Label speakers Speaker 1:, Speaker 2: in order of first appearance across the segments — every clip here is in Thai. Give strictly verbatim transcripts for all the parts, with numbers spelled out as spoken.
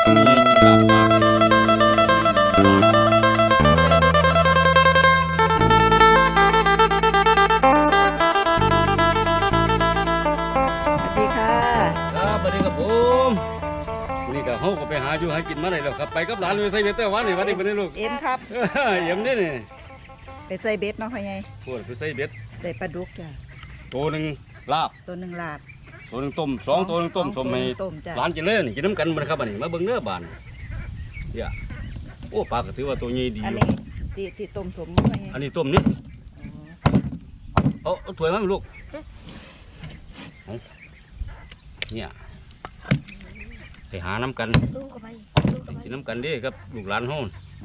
Speaker 1: เฮาก็ไปหาอยู่หากินมาได้แล้วครับไปกับหลานไปใส่เบ็ดแต่วันนี้วันนี้เป็นลูก
Speaker 2: เอ็มครับ
Speaker 1: เอ็มนี่นี่
Speaker 2: ไปใส่เบ็ดเนาะพ่อใหญ่
Speaker 1: พูดไปใส่เบ็ด
Speaker 2: ได้ปลาดุกจ้ะ
Speaker 1: ตัวหนึ่งลาบ
Speaker 2: ตัวหนึ่งลาบ
Speaker 1: ตัวหนึ่งต้มสองตัวหนึ่งต้มสมให้หลานกินเลยนี่กินน้ำกันมันครับอันนี้มาเบิ่งเนื้อบานเนี่ยโอ้ปลาก็ถือว่าตัวใหญ่ดี
Speaker 2: อันนี้ที่ที่ต้มสมพ่อใหญ่
Speaker 1: อันนี้ต้มนี่เอาเอาถ้วยมาลูกเนี่ยไปหาน้ำกันกินน้ำกันดิครับลูกหลานห้อง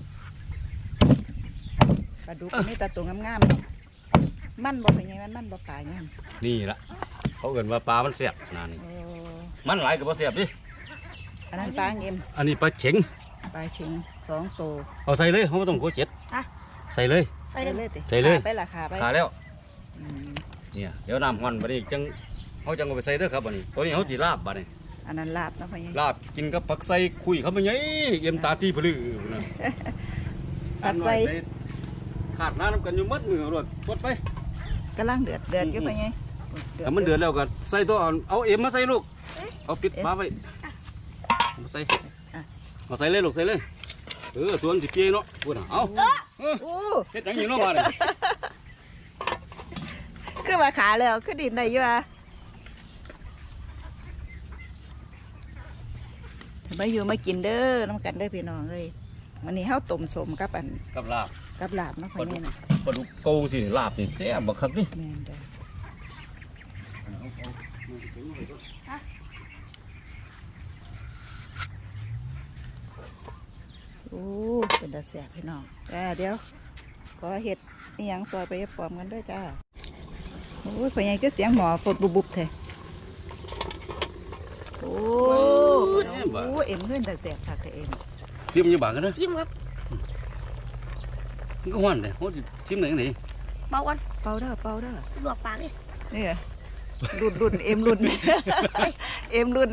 Speaker 2: ปลาดุกนี่แต่ตัวงามๆมันบ่เป็นไงมันมันบ่ปลางาม
Speaker 1: นี่ละเขาเกิดว่าปลามันเสียบนานนี่มันหลายกับปลาเสียบดิ
Speaker 2: อันนั้นปลาเอ็ม
Speaker 1: อันนี้ปลาเข็ง
Speaker 2: ปลาเข็งสองตัว
Speaker 1: เอาใส่เลยเขาไม่ต้องโคเจ็ดใส่เลย
Speaker 2: ใส่เลย
Speaker 1: ใส่เลย
Speaker 2: ไปละขาไป
Speaker 1: ขาแล้วเนี่ยเดี๋ยวน้ำมันบัดนี้จังเขาจังเอาไปใส่เด้อครับบัดนี้ตัวนี้เขาจีลาบบัดนี้
Speaker 2: อันนั้นลาบนะพ่อใหญ่
Speaker 1: ลาบกินกับผักใส่คุยเขาไม่ใหญ่เยี่ยมตาตีพลือนะ
Speaker 2: ผักใส่
Speaker 1: ขาดน้ำกันอยู่มัดมือรถกดไป
Speaker 2: กำลังเดือดเดือดอยู่พ่อใหญ่
Speaker 1: แต่มันเดือดแล้วก็ใส่ตัวเอาเอ็มมาใส่ลูกเอาปิดฟ้าไว้มาใส่เอาใส่เลยลูกใส่เลยเออส่วนสิเปียเนาะพูดนะเอาเฮ็ดอย่างนี้เนาะมาเลย
Speaker 2: คือว่าขาแล้วคือดินได้อยู่อ่ะมาอยู่มากินเด้อน้ำกันได้พี่น้องเลยวันนี้เฮาต้มสมกับอัน
Speaker 1: กับลาบ
Speaker 2: กับลาบเนาะพ่อใหญ่น่ะ
Speaker 1: ปลาดุกโกสิลาบนี่แซ่บบักคักนี่
Speaker 2: แม่นเด้อโอ้เป็นตาแซ่บพี่น้องจ้าเดี๋ยวขอเห็ดนี่ยังซอยไปพร้อมกันด้วยจ้าโอ้ยพ่อใหญ่ก็เสียงหมอฝดบุบบุบเลยโอ้โหเอ็มเงินแต่แสบค่ะเอ็ม
Speaker 1: ชิมยังบางกันนะ
Speaker 3: ชิมครับ
Speaker 1: มันก็หวานเลยเขาชิมไหนไหน
Speaker 3: เบากัน
Speaker 2: เบาเด้อเบาเด้อ
Speaker 3: ลวกปากเลย
Speaker 2: นี่รุ่นรุ่นเอ็มรุ่นเอ็มรุ่น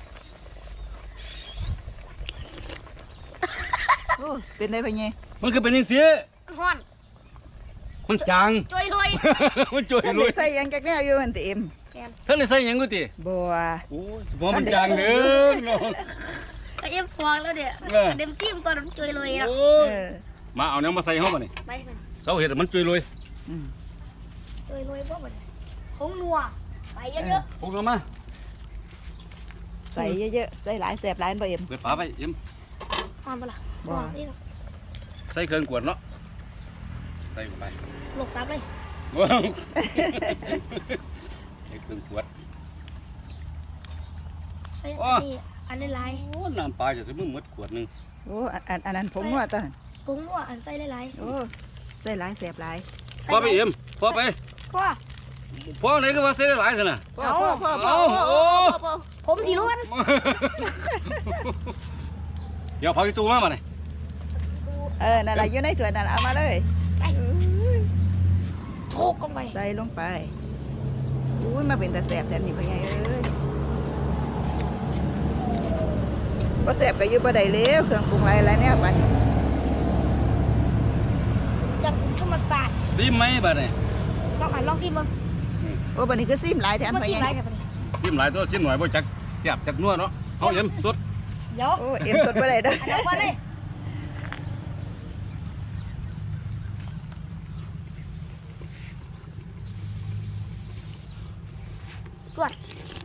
Speaker 2: โอ้เป็นได้ปะเนี่ย
Speaker 1: มันคือเป็นยังเสีย
Speaker 3: ฮ้อน
Speaker 1: มันจาง
Speaker 3: จ่อยรวย
Speaker 1: มันจ่อยรวย
Speaker 2: ใส่ยังแกแน่อยู่มันเต็ม
Speaker 1: ท่านได้ใส่ยังกูตี
Speaker 2: บัว
Speaker 1: โอ้ยบัวมันจางเด้อน้อง
Speaker 3: ก็เอ็มฟองแล้วเดี๋ยวเด็มซิมตอนมันจ่อยรวยแล้ว
Speaker 1: มาเอาเนื้อมาใส่ห้องมาหนิเจ้าเห็ดมันจ่อยรวย
Speaker 3: จ่อยรวยพวกมันคงนัวใส่เยอะ
Speaker 1: ๆพวกเรามา
Speaker 2: ใส่เยอะๆใส่หลายแสบหลายบ่เอ็ม
Speaker 1: เปิดฝาไปเอ็ม
Speaker 3: ทำไปละ
Speaker 2: บัว
Speaker 1: ใส่เครื่องกวดเนาะใส่ลงไป
Speaker 3: หลบตามเลย
Speaker 1: ใส่เครื่องกวด
Speaker 3: ใส่อันนี้ลาย
Speaker 1: โอ้น้ำปลาจะซื้อมือมดขวดนึง
Speaker 2: โอ้อันอันนั้นผมว่าตอน
Speaker 3: ผงว่าอันใส่ลาย
Speaker 2: โอ้ใส่หลายแสบหลาย
Speaker 1: พ่อไปเอ็มพ่อไป
Speaker 3: พ่อ
Speaker 1: พ่อไหนก็ว่าใส่หลายสินะ
Speaker 2: พ่อพ่อพ่อพ่อพ่อ
Speaker 3: ผมสีล้วน
Speaker 1: เดี๋ยวพาไปตู้มามาเลย
Speaker 2: เออนั่นแหละอยู่ในถ้วยนั่นเอามาเลย
Speaker 3: โชกลงไป
Speaker 2: ใส่ลงไปอุ้ยมาเป็นตาแสบแต่นี่พ่อใหญ่เอ้ยบ่แสบก็อยู่บ่ได้แล้วเครื่องปรุงอะไรอะไรเนี่ยบัด
Speaker 3: ดังธรรมศาสตร์
Speaker 1: ซิมไหมบัดนี้
Speaker 3: ลองอ่านลองซิมมึง
Speaker 2: โอ้บัดนี้ก็ซิมหลายแทนพ่อใหญ่
Speaker 1: ซิมหลายตัวซิมหน่อยบ่จักแสบจักนัวเนาะเขาเอ็มสด
Speaker 3: เดี๋ยว
Speaker 2: โอ้เอ็มสดบ่ได้เด้อ
Speaker 3: เดี๋ยวมาเลยกวด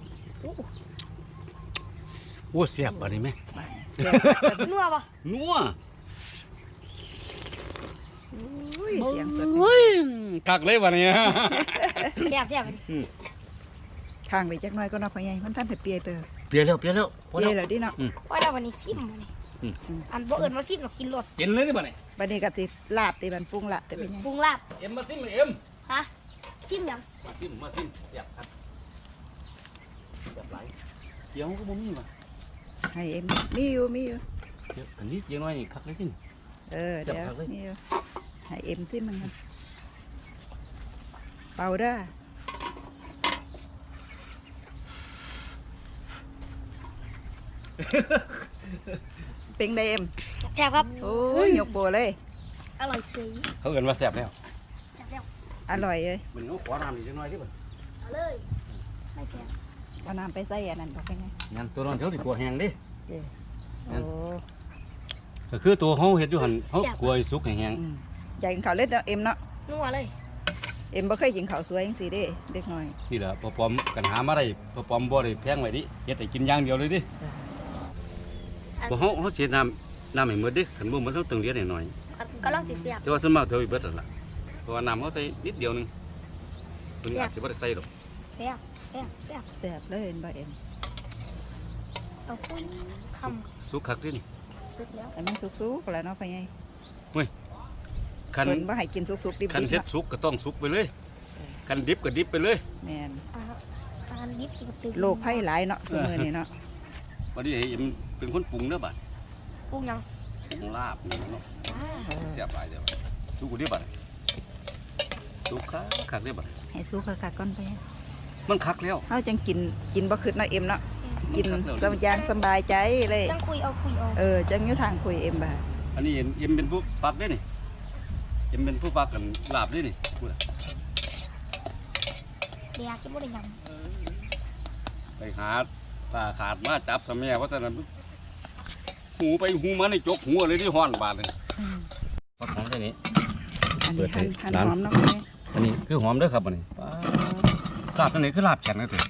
Speaker 1: โอ้เสียบอะไรไหม
Speaker 3: นัวปะ
Speaker 1: นัว
Speaker 2: เสียงสด
Speaker 1: กักเลยวันนี้
Speaker 3: เสียบเสียบ
Speaker 2: ข้างไปจักน้อยก็นับพ่อใหญ่มันท่านเปียไป
Speaker 1: เปียแล้วเปียแล้ว
Speaker 2: เปียแล้วดิเนาะ
Speaker 3: ว่าเราวันนี้ซิมวันนี้อันบ่เอิญมาซิมเรากินรส
Speaker 1: กินเลยดิบัดนี้
Speaker 2: บัดนี้ก็ติลาบติมันปรุงละแต่เป็นยัง
Speaker 3: ปรุงลาบ
Speaker 1: เอ็มมาซิมเอ็ม
Speaker 3: ฮะซิมยัง
Speaker 1: มาซิมมาซิมอยากครับแบบไหลเดี๋ยวก็บ่มีว่ะ
Speaker 2: ให้เอ็มมีอยู่มีอยู่
Speaker 1: อันนี้ยังน้อยคักเลยจริง
Speaker 2: เออเดี๋ยวมีอยู่ให้เอ็มซิมันกันเป่าเด้อเป็นไดเอ็ม
Speaker 3: แซ่บครับ
Speaker 2: โอ้ยยกโบเลย
Speaker 3: อร่อยเฉย
Speaker 1: เขาเอิ้นว่าแซ่บแล้ว
Speaker 3: แซ่บแล้ว
Speaker 2: อร่อยเลย
Speaker 1: มันเขาขอน้ำอีกจังหน่อยดิบ่
Speaker 3: เอาเลยไม่แซ่บ
Speaker 2: เอาน้ำไปใส่อันนั้นต่อไปไง
Speaker 1: งั้นตัวนั้นเท่าที่กลัวแห้งดิ
Speaker 2: เด้โอ้
Speaker 1: ก็คือตัวเขาเฮ็ดอยู่หั่นเขากลัวให้สุกให้แห้ง
Speaker 2: อืมอยากกินข้าวเล็ดเนาะเอ็มเนาะ
Speaker 3: นัวเลย
Speaker 2: เอ็มบ่เคยกินข้าวสวยจังซี่เด้เด็กน้อย
Speaker 1: นี่แหละพอปอมกันหามาได้พอปอมบ่ได้แพงไว้ดิเฮ็ดให้กินอย่างเดียวเลยดิ
Speaker 2: จ้ะ
Speaker 1: บ่เฮาเฮาเสียน้ำน้ำให้หมดดิคันบ่มันต้องตึงเลียดให้หน่อย
Speaker 3: กำลังสิแซ่บ
Speaker 1: แต่ว่าส่วนมากเท่าอีเบิดนั่นล่ะเพราะว่าน้ำเขาใส่นิดเดียวหนึงเพิ่นอาจสิบ่ได้ใส่ดอก
Speaker 3: แซ่บแซ่บแซ่บ
Speaker 2: แซ่บเลยเห็นบ่เอ็ม
Speaker 3: เอาปุ้ยค
Speaker 1: สุกคักดินี่
Speaker 3: ำสุดแล้ว
Speaker 2: แต่มันสุกๆแล้วเนาะพ่อใหญ่
Speaker 1: คัน
Speaker 2: เพิ่นบ่ให้กินสุกๆดิบ
Speaker 1: คัน
Speaker 2: ๆ
Speaker 1: เฮ็ด
Speaker 2: เนาะ
Speaker 1: สุกก็ต้องสุกไปเลยคันดิบก็ดิบไปเลย
Speaker 2: แม่น
Speaker 3: อ่าทานดิบกินตึง
Speaker 2: โรคภัยหลายเนาะซุมื้อนี้เนาะ
Speaker 1: วันนี้ให้เอ็มเป็นคนปรุงเด้อบัด
Speaker 3: ปรุงยัง
Speaker 1: ปรุงลาบนี่เนาะ
Speaker 3: อ่า
Speaker 2: เออ
Speaker 1: เสียบหลายเด้อบัดสุกกูดิบัดสุกคักคักเด้อบัด
Speaker 2: ให้สุกคักๆก่อนไป
Speaker 1: มันคักแล้ว
Speaker 2: เฮาจังกินกินบ่คิดเนาะเอ็มเนาะกิน
Speaker 1: มันคัก
Speaker 2: ส
Speaker 1: แล้ว
Speaker 2: บายอย่างสบายใจเลย
Speaker 3: ตั้งคุยเอาคุยเอา
Speaker 2: เออจังอยู่ทางคุยเอ็มบ่า
Speaker 1: อันนี้เอ็มเอ็มเป็นผู้ปักเด้อนี่เอ็มเป็นผู้ปักกันลาบเด้อนี่พูดอะ
Speaker 3: เดี๋ยวกินบ่ได้ยัง
Speaker 1: ไปหาตาขาดมาจับซะแม่ว่าแต่นั้นหูไปหูมาในจกหัวเลยที่ห้อนบาดเลย
Speaker 2: อืม
Speaker 1: ปักหอมแค่นี้
Speaker 2: อัน
Speaker 1: เปิ
Speaker 2: นี้
Speaker 1: ดให้
Speaker 2: หั่นหั่น
Speaker 1: ร้าน
Speaker 2: หอมเนาะพ่อใหญ่
Speaker 1: อันนี้คือหอมเด้อครับอันนี้ป๊าดลาบอันนี้คือลาบแข็งนะเถอะ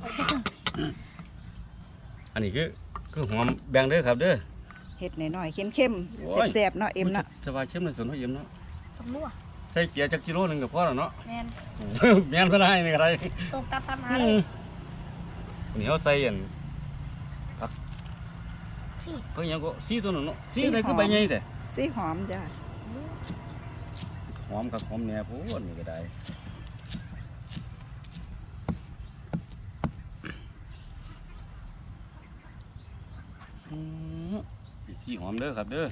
Speaker 1: อันนี้คือคือหอมแบ่งเด้อครับเด้อ
Speaker 2: เฮ็ดน้อยๆเข้ม
Speaker 1: โอ้ย
Speaker 2: ๆแซ่บๆเนาะเอ็มเนาะ
Speaker 1: สบายเข้มเลยส่วนของเอ็มเนาะ
Speaker 3: ต้องนัว
Speaker 1: ใส่เกียร์จักกิโลหนึงก็พอแล้วเนาะ
Speaker 3: แมน
Speaker 1: แม่นก็ได้นี่ก็ได้
Speaker 3: ตกตาทำหา
Speaker 1: อื
Speaker 3: เล
Speaker 1: ม
Speaker 3: ย
Speaker 1: อันนี้เขาใส่อัน
Speaker 3: สิ
Speaker 1: เพิ่งยังก็สีตัวนึงเนาะสีอะไรคือใบใหญ่แต่
Speaker 2: สีหอมจ้ะ
Speaker 1: หอมกับหอมแหน่พูดนี่ก็ได้อืมสีหอมเด้อครับเด้อ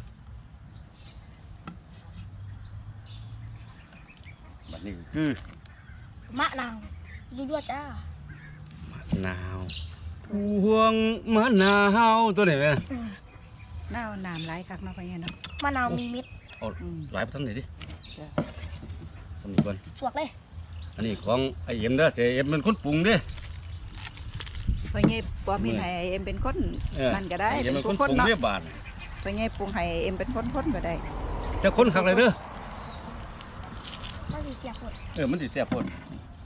Speaker 1: บัดนี้ก็คือ
Speaker 3: มะนาวดูด้วยจ้าม
Speaker 1: ะนาวพวงมะนาวตัวไหนแม่
Speaker 3: อืม
Speaker 2: น้าวน้ำหลายคักเนาะพ่อใหญ่เนาะ
Speaker 3: มะนาวมีเม็ด
Speaker 1: เอา
Speaker 2: อืม
Speaker 1: หลายไปทำไหนดิ
Speaker 2: จ้ะ
Speaker 1: ทำหนึ่งก่อน
Speaker 3: สวกเลย
Speaker 1: อันนี้ของไอเอ็มเด้อเสียเอ็มเป็นคนปรุงเด้อ
Speaker 2: พ่อใหญ่ปอมเฮ็ดให้เอ็มเป็นคน
Speaker 1: เออ
Speaker 2: นั่นก็ได้
Speaker 1: ไอ้เอ็ม
Speaker 2: เป็
Speaker 1: เป็น น
Speaker 2: ค
Speaker 1: คน นปรุง
Speaker 2: ๆเนาะ
Speaker 1: เรียบบาท
Speaker 2: พ่อใหญ่ปรุงให้เอ็มเป็นคนๆก็ได้
Speaker 1: จะคนขักเลยเด้อ
Speaker 3: มันสีเสียบหมด
Speaker 1: เออมันติดเสียบพ่น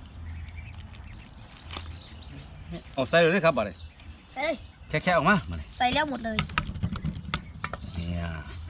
Speaker 1: เอาใส่เลยเด้อครับบาดนี้
Speaker 3: ใส่เลย
Speaker 1: แค่แค่ออกมามาเลย
Speaker 3: ใส่แล้วหมดเลย
Speaker 1: เนี่ย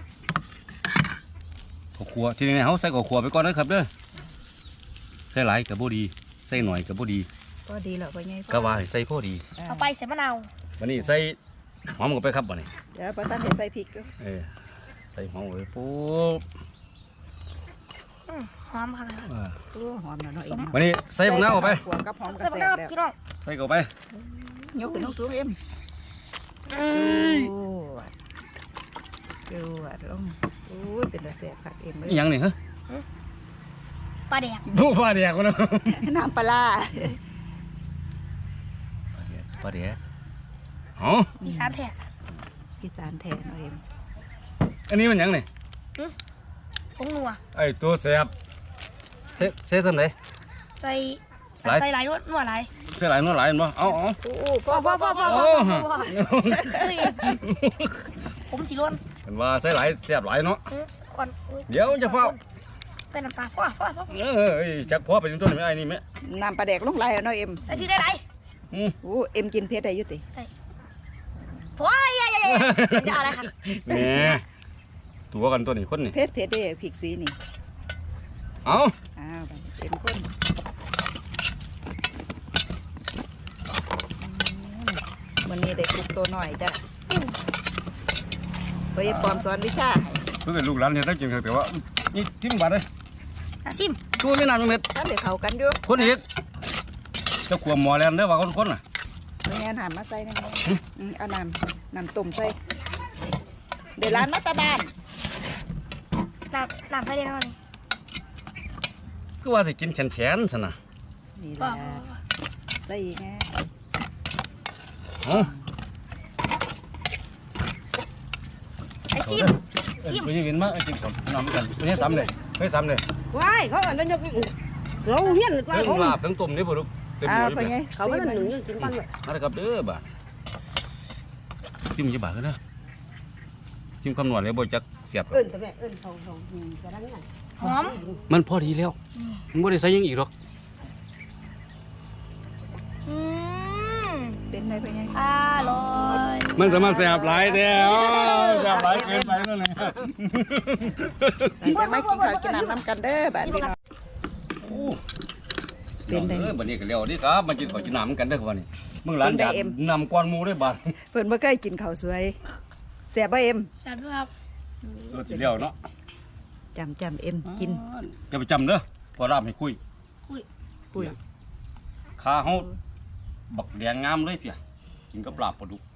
Speaker 1: ข้าวคั่วทีนี้เขาใส่ข้าวคั่วไปก่อนนะครับเด้อใส่หลายกับบ่ดีใส่หน่อยกับบ่ดี
Speaker 2: ก็ดีแล้วพ่อใหญ่
Speaker 1: ก็ว่าให้ใส่พอดี
Speaker 2: อ่า
Speaker 3: เอาไปใส่มะนาว
Speaker 1: วันนี้ใส่หอมลงไปครับบาดนี้
Speaker 2: เดี๋ยวบ่ทันได้ใส่พริกอยู่
Speaker 1: เออใส่หอมไว้ปุ๊บ
Speaker 3: อืมหอมขนาด
Speaker 1: เออ
Speaker 2: โอ้หอมแล้วเนาะเอ็ม
Speaker 1: วันนี้ใส่บักนาวเข้าไป
Speaker 2: ขัวกับหอมกระ
Speaker 3: ใส่มะ
Speaker 2: แซ่
Speaker 3: นา
Speaker 2: บ
Speaker 3: ว
Speaker 2: แล้ว
Speaker 3: พี่น้อง
Speaker 1: ใส่เข้าไป
Speaker 2: ยกขึ้นสูงๆเอ็ม
Speaker 3: อืม
Speaker 2: โอ้ดูอ่ะลงโอ้ยเป็นตาแซ่บคักเอ็มเอ้
Speaker 1: อี
Speaker 2: ย
Speaker 1: หยังนี่ฮะ
Speaker 3: ปลาแดก
Speaker 1: ดูปลาแดกวะเนาะ
Speaker 2: น้ำปลาร้า
Speaker 1: ปลาแดกอ๋อ
Speaker 3: อีสานแท้
Speaker 2: อีสานแท้เนาะเอ็ม
Speaker 1: อันนี้มันหยังนี่
Speaker 3: ผงนัว
Speaker 1: ไอ้ตัวแสบเซเซทำไหน
Speaker 3: ใส่
Speaker 1: หลาย
Speaker 3: ใส่หลายนวดนวดหลาย
Speaker 1: เซหลายน้อยหลายเห็นบ่เอาเอา
Speaker 2: โอ้พ่อพ่อพ่อพ่อ
Speaker 1: โอ้ฮะ
Speaker 3: เฮ้ยผมสีล้วน
Speaker 1: เห็นว่าเซหลายแสบหลายเนาะ
Speaker 3: อืมก่อนอุ๊
Speaker 1: เดี๋ยวจะเฝ้า
Speaker 3: ใส่น้ำปลาพ่อพ่อพ่อ
Speaker 1: เออเอ้ยจักพอไปจนต้นไหมไอ้นี่ไหม
Speaker 2: น้ำปลาแดกลงไหลแล้วเนาะเอ็ม
Speaker 3: ใส่พริกได้ไร
Speaker 1: อืม
Speaker 2: โอ้เอ็มกินเผ็ดได้อยุติ
Speaker 3: พ่ออย่าอย่าอย่าอย่าอะไรครับ
Speaker 1: แหน่ตัวกันตัวนี้คนนี่
Speaker 2: เผ็ดเผ็ดได้พริกสีนี่
Speaker 1: เอา
Speaker 2: อ้าวเต็มข้นมันนี้ได้ปลูกตัวหน่อยจ้ะไปปลอมสอนวิชาให้
Speaker 1: เพื่อนลูกหลานเนี่ยต้องกินเถอะแต่ว่านี่สิบบาทเลย
Speaker 3: อาซิม
Speaker 1: ตัวไม่นานเม็ด
Speaker 2: ท่านเดี๋ยวเขากันอยู่
Speaker 1: คนนี้เจ้าขวมหมอแลนเด้อว่าคนคนน่ะ
Speaker 2: ไม่งั้นหามมาใส่นะอืมเอาน้ำน้ำต้มใส่เดี๋ยวร้านมัตตาบาน
Speaker 3: น้ำน้ำใส่ได้ไหม
Speaker 1: คือว่าสิกินแขนแขนๆซะนะ
Speaker 2: นี่แห
Speaker 3: พ่อ
Speaker 2: ละใส่อีกไง
Speaker 1: เอา
Speaker 3: ซิมซิม
Speaker 1: ไปยืนมากินก่อนน้ำกันไปให้ซ้ำเลยไปซ้ำเลย
Speaker 4: ว้ายเขาอันนั้นยกเราเฮียนกว่า
Speaker 1: ทั้ง
Speaker 4: เขา
Speaker 1: ลาบทั้งต้มนี่บ่ลูกเต็ม
Speaker 2: อ่า
Speaker 1: หัว
Speaker 2: พ่อ
Speaker 1: อยู่
Speaker 2: ใหญ่
Speaker 4: เขาไม่ได้หนึ่งกินปันเลย
Speaker 1: มาเลยครับเด้อบ่าจิ้มยี่บาทก็ได้จิ้มคำนวณเลยบ่จักเสียบ
Speaker 4: เอิ้นแต่แม่เอิ้นเขาเขากระดังนั่น
Speaker 3: หอม
Speaker 1: มันพอดีแล้วมันบ่ได้ใส่ยังอีกหรอก
Speaker 3: อืม
Speaker 2: เป็นไงพ่อใหญ่
Speaker 3: อร่อย
Speaker 1: มันสามารถแสบหลายแท้แสบหลายเกินไปแล้วเนี่ย
Speaker 2: จะไม่กินข้าวกินน้ำน้ำกันเด้อบ้านพี่น้อง
Speaker 1: โอ้เป็นได้เออบัดนี้ก็แล้วนี่ครับมากินข้าวกินน้ำกันเด้อครับวันนี้มึงหลานอยากนำก้อนหมูได้บาด
Speaker 2: เพิ่นบ่เคยกินข้าวสวยแซ่บบ่เอ็ม
Speaker 3: แซ่บด้วยครับ
Speaker 1: ตัวสิแล้วเนาะ
Speaker 2: จำจำเอ็มกิน
Speaker 1: อย่าไปจำเด้อพอรามให้คุย
Speaker 2: ปุ้ย
Speaker 1: ขาเฮาบักแดงงามเลยเพียกินกับปลาปลาดุก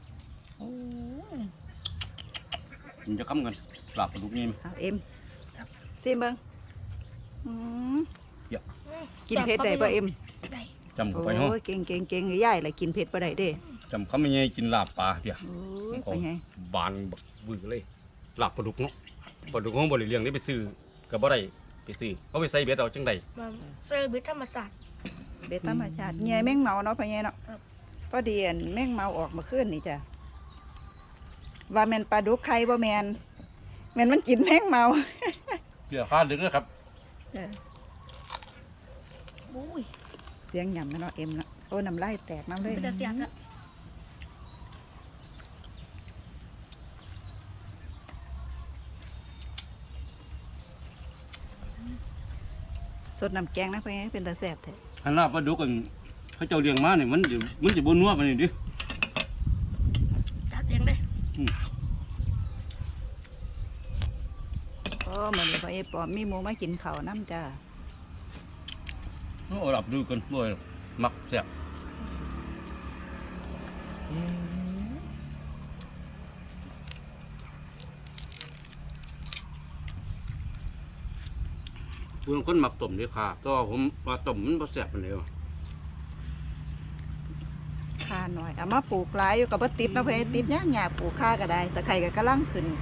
Speaker 1: กินจะค้ำกันปลาปลาดุกนี่
Speaker 2: เอาเอ็มซิมเบิ่งอืม
Speaker 1: เยอะ
Speaker 2: กินเผ็ดได้บ่เอ็ม
Speaker 3: ได้
Speaker 1: จำเข้า
Speaker 2: โอ้
Speaker 1: ไปเฮาย
Speaker 2: เก่งเก่งเก่งยายล่ะกินเผ็ดบ่ได้เด้
Speaker 1: จำคำไม่ไงกินลาบปลาเพีย
Speaker 2: โอ้ย
Speaker 1: ขอ
Speaker 2: พ่
Speaker 1: ง
Speaker 2: อใหญ่
Speaker 1: บานบักบือเลยลาบปลาดุกเนาะปลาดุกของบริเลียงได้ไปซื้อกับบ่ได้ไปซื้อเขาไปใส่เบ็ดเอาจังใด
Speaker 3: มาเสิร์ฟบิธรรมศาสตร์
Speaker 2: เบ็ดธรรมชาติเงียแมงเมาเนาะพ่อใหญ่เนาะ
Speaker 3: ครับ
Speaker 2: พอดีอันแมงเมาออกมาคืนนี่จ้ะว่าแม่นปลาดุกไข่บ่แม่นแม่นมันกินแมงเมา
Speaker 1: เพียฟ้าดึกนะครับ
Speaker 2: เออ
Speaker 3: อุ้ย
Speaker 2: เสียงหย่ำนะเนาะเอ็มเนาะโอ้น้ำลายแตกน้ำเลย
Speaker 3: เป็นแต่เสียงอะ
Speaker 2: สดน้ำแกงนะพ่อใหญ่เป็นตาแซ่บแท้
Speaker 1: อันลาบปลาดุกกันเขาเจ้าเลี้ยงมาเนี่ยมันจะมันจะบนนัวกันนี่ดิ
Speaker 3: จัดเองเลย
Speaker 2: โอ้มื้อนี้พ่อใหญ่ปอมมีหมูมากินข้าวน้ำจ้า
Speaker 1: เอาหลับดูกันด้วยมักแซ่บคุณคนหมักต้มดีค่ะแตัวาผมว่าต้มมันบ่แซ่บปานใดวะ
Speaker 2: ค่าหน่อยเอามาปลูกหลายอยู่กับบ่ติดเนาะพ่อใหญ่ติดยากหยาปลูกค่าก็ได้ตะไคร้ก็กำลังขึ้น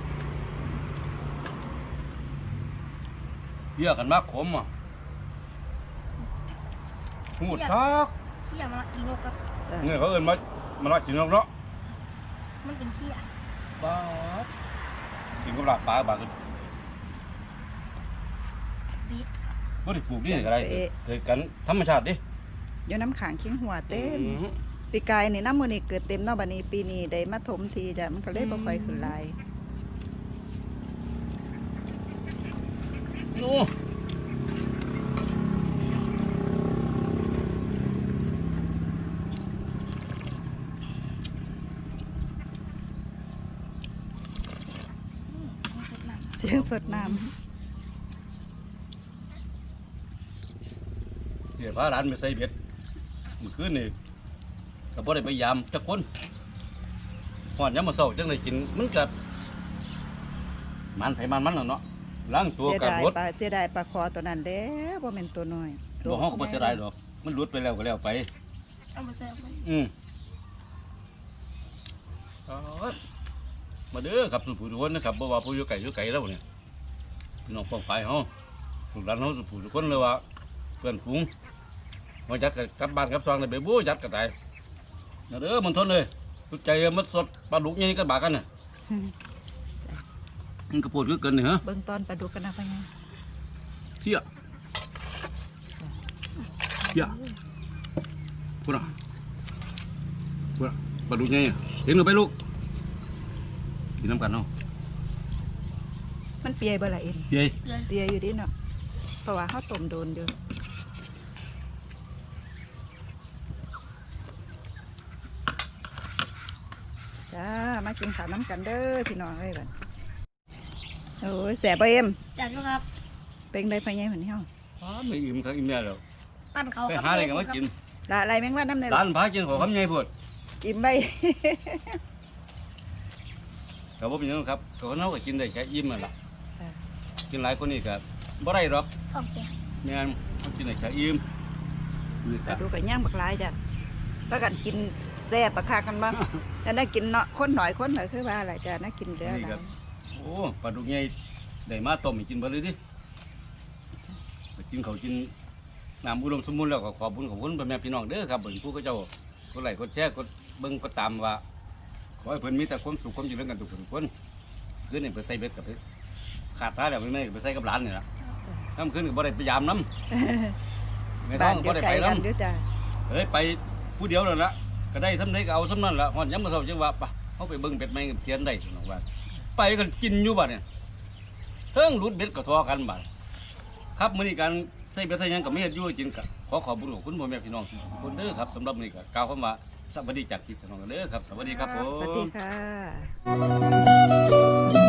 Speaker 1: เบี้ยกันมากขมอ่ะหูดทัก
Speaker 3: เขี้ยมาละอีนกครับ
Speaker 2: เออ
Speaker 1: เนี่ยเขาเอิ้นมามาลากินนกเนาะ
Speaker 3: มันเป็นเขี้ย
Speaker 1: บ้าดกินกับลาบปลาบาดกัน
Speaker 3: ปี๊ด
Speaker 1: บ่ได้ปลูกนี่ก็ได้เกิดกันธรรมชาติดิ
Speaker 2: อยู่น้ำขังเคียงหัวเต็ม
Speaker 1: อือ
Speaker 2: ปีกายนี่น้ำมือนี่เกิดเต็มเนาะบัดนี้ปีนี้ได้มาถมทีจ้ะมันก็เลยบ่ค่อยขึ้นหลาย
Speaker 1: โอ้
Speaker 2: เสียงสดน้
Speaker 1: เดี๋ยวพาหลานไปใส่เบ็ดเมื่อคืนนี่ก็บ่ได้พยายามจักคนฮอดยามมื้อเช้าจังได้กินมันก็มันไผมันมันแล้วเนาะล้าง
Speaker 2: ำ
Speaker 1: ตัว
Speaker 2: เสีย
Speaker 1: ก็
Speaker 2: ดาย
Speaker 1: รด
Speaker 2: ปลาเสียดายปลาคอตัวนั้นเด้อบ่แม่นตัวน้อย
Speaker 1: บ่เฮาก็บ่เสียดายดอกมันหลุดไปแล้วก็แล้วไป
Speaker 3: เอามาเสิร์ฟมัน
Speaker 1: อืมครับมาเด้อครับสุผู้ทุกคนนะครับบ่ว่าผู้อยู่ไกลอยู่ไกลแล้วเนี่ยพี่น้องป้องไปเฮาลูกหลานเฮาสุผู้ทุกคนเลยว่าเพื่อนฝูงมาจัดกับกลับบ้านกลับซองเลยไปบู้จัดกันได้มาเด้อมันทนเลยทุกใจมันสดปลาดุกใหญ่กันบากันน่ะมันกระโปดคือเกินนี่ฮะ
Speaker 2: เบิ่งตอนปลาดุกกันนะพ่อใหญ่
Speaker 1: เชี่ยเชี่ยพูดอ่ะพูดอ่ะปลาดุกใหญ่อะเห็นหรือไปลูกกินน้ำกันเนาะ
Speaker 2: มันเปียบ่ล่ะเอ็น
Speaker 1: เย้
Speaker 3: เลย
Speaker 2: เปียอยู่ดิเนาะเพราะว่าเฮาต้มโดนอยู่จ้ามากินข้าวน้ำกันเด้อพี่น้องเอ้ยบัดโอ้ยแซ่บบ่เอ็ม
Speaker 3: จัดด้วยครับ
Speaker 2: เป็นได้พ่อใหญ่เหมือนเฮา
Speaker 1: อ้าไม่อิ่มครับอิ่มแน่แล้ว
Speaker 3: ปั้นเขา
Speaker 1: ไป
Speaker 3: ครับ
Speaker 1: หาอะไรกันมากิน
Speaker 2: ละอะไรแมงว่าน้ำใน
Speaker 1: ร้านพากินของคำใหญ่พูด
Speaker 2: จิ้มไป
Speaker 1: ครับผมเป็นหยังครับก็เขาก็กินได้แค่อิ่มนั่นแหละ
Speaker 2: ค่ะ
Speaker 1: กินหลายคนนี่ก็บ่ได้หรอก
Speaker 3: โอเค
Speaker 1: แม่นเขากินได้แค่อิ่มนี่
Speaker 2: ก
Speaker 1: ก็
Speaker 2: ดูกันย่างบักหลายจ้ะแล้วกันกินแซ่บปะคากันบ้าง แต่น่ากินเนาะคนหน่อยคนหน่อยคือว่าอะไรจ้ะน่ากินเด้อ
Speaker 1: นี่
Speaker 2: นะ
Speaker 1: ก็โอ้ปลาดุกใหญ่ได้มาต้มให้กินเบ่เลยดิไปกินเขาวกินน้ำอุดมสมบูรณ์แล้วก็ขอบคุณขอบคุณพ่อแม่พี่น้องเด้อครับเบิ่งผู้เขาเจ้ากดไลค์กดแชร์กดเบิ่งกดตามว่าขอให้เพิ่นมีแต่ความสุขความเจริญกันทุกคนทุกคนคืนนี้ไปใส่เบ็ดกับไปขาดพาแล้วไม่ไม่ไปใส่กับหลานนี่ล่ะค่ำคืนก็บ่ได้ไปยามน้ำไม่ต้
Speaker 2: บ้า
Speaker 1: อน ง
Speaker 2: เดี
Speaker 1: บ่
Speaker 2: ยว
Speaker 1: ได้
Speaker 2: ไกล
Speaker 1: ไป
Speaker 2: กัน
Speaker 1: น้ำ
Speaker 2: เด้อจ้า
Speaker 1: เฮ้ยไปผู้เดียวนั่นละก็ได้สำเร็จก็เอาสำนั้นละหอนย้ำมาเท่าจังว่าปะเขาไปเบิ่งเป็ดไม้กับเทียนได้สนองว่าไปกันกินอยู่บัดเนี่ยเทิงรุดเบ็ดก็ทอกันบัดครับมื้อนี้การใส่เบ็ดใส่หยังก็ไม่เฮ็ดอยู่จริงก็ขอขอบคุณขอบคุณพ่อแม่พี่น้องทุกคนเด้อครับสำหรับมื้อนี้ก็กล่าวคำว่าสวัสดีจากพี่น้องเด้อครับสวัสดีครับผม
Speaker 2: สวัสดีค่ะ